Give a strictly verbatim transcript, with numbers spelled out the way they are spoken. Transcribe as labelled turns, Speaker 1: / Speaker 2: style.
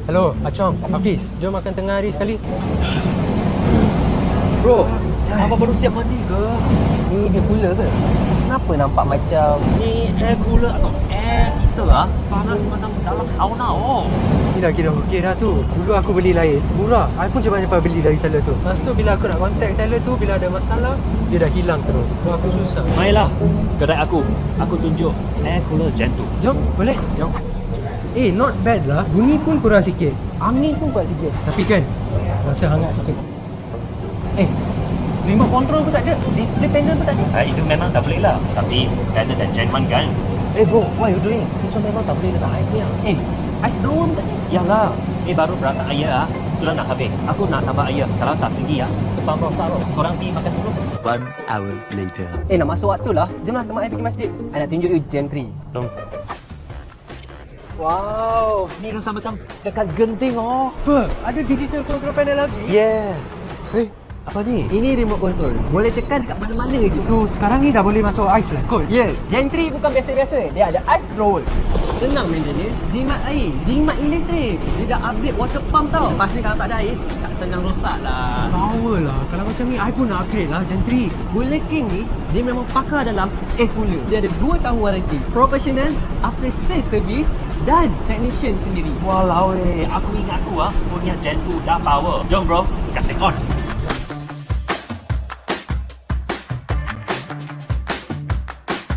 Speaker 1: Hello, Acong, Hafiz. Jom makan tengah hari sekali.
Speaker 2: Bro, apa baru siap mandi ke?
Speaker 3: Ni air cooler ke? Kenapa nampak macam
Speaker 2: Ni air cooler atau air heater ah? Panas macam dalam sauna oh.
Speaker 1: Ni dah kira okey dah tu. Dulu aku beli lain. Murah. I pun cepat-cepat beli dari seller tu. Lepas tu bila aku nak contact seller tu, bila ada masalah, dia dah hilang terus. So aku susah.
Speaker 2: Mainlah kedai aku. Aku tunjuk air cooler Gen two.
Speaker 1: Jom, boleh? Jom. Eh, not bad lah. Bunyi pun kurang sikit. Angin pun kuat sikit. Tapi kan, rasa hangat sikit.
Speaker 3: Eh, remote control pun tak ada, display panel pun tak ada.
Speaker 2: Ah, itu memang tak boleh lah. Tapi better than Gen one kan?
Speaker 3: Eh bro, what you doing? This one memang tak boleh letak ais punya. Eh, ais drawer pun tak ada.
Speaker 2: Yalah, ni baru berasa air ah. Sudah nak habis. Aku nak tambah air. Kalau tak segi ah, depan rosak loh. Korang pergi makan dulu.
Speaker 4: One hour later.
Speaker 3: Eh, nak masuk waktu lah. Jomlah teman saya pergi masjid. I nak tunjuk you Gen three.
Speaker 2: Jom.
Speaker 3: Wow,
Speaker 2: Ni rasa macam dekat genting oh.
Speaker 1: Apa? Ada digital control panel lagi?
Speaker 2: Yeah.
Speaker 1: Eh,
Speaker 2: Apa ni?
Speaker 3: ini remote control. Boleh tekan dekat mana-mana je.
Speaker 1: so sekarang ni dah boleh masuk ais lah kot?
Speaker 3: Ya, yeah. Gen three bukan biasa-biasa. Dia ada ice drawer. Senang maintenance, jimat air, jimat elektrik. Dia dah upgrade water pump tau. Lepas ni kalau tak ada air, tak senang rosak lah.
Speaker 1: Power lah. Kalau macam ni, I pun nak upgrade lah Gen three.
Speaker 3: Bullet King ni, dia memang pakar dalam air cooler. Dia ada dua tahun warranty. Professional, after sales service dan technician sendiri.
Speaker 2: Walau eh, aku ingat aku ah punya Gen two dah power. Jom bro, kasih on.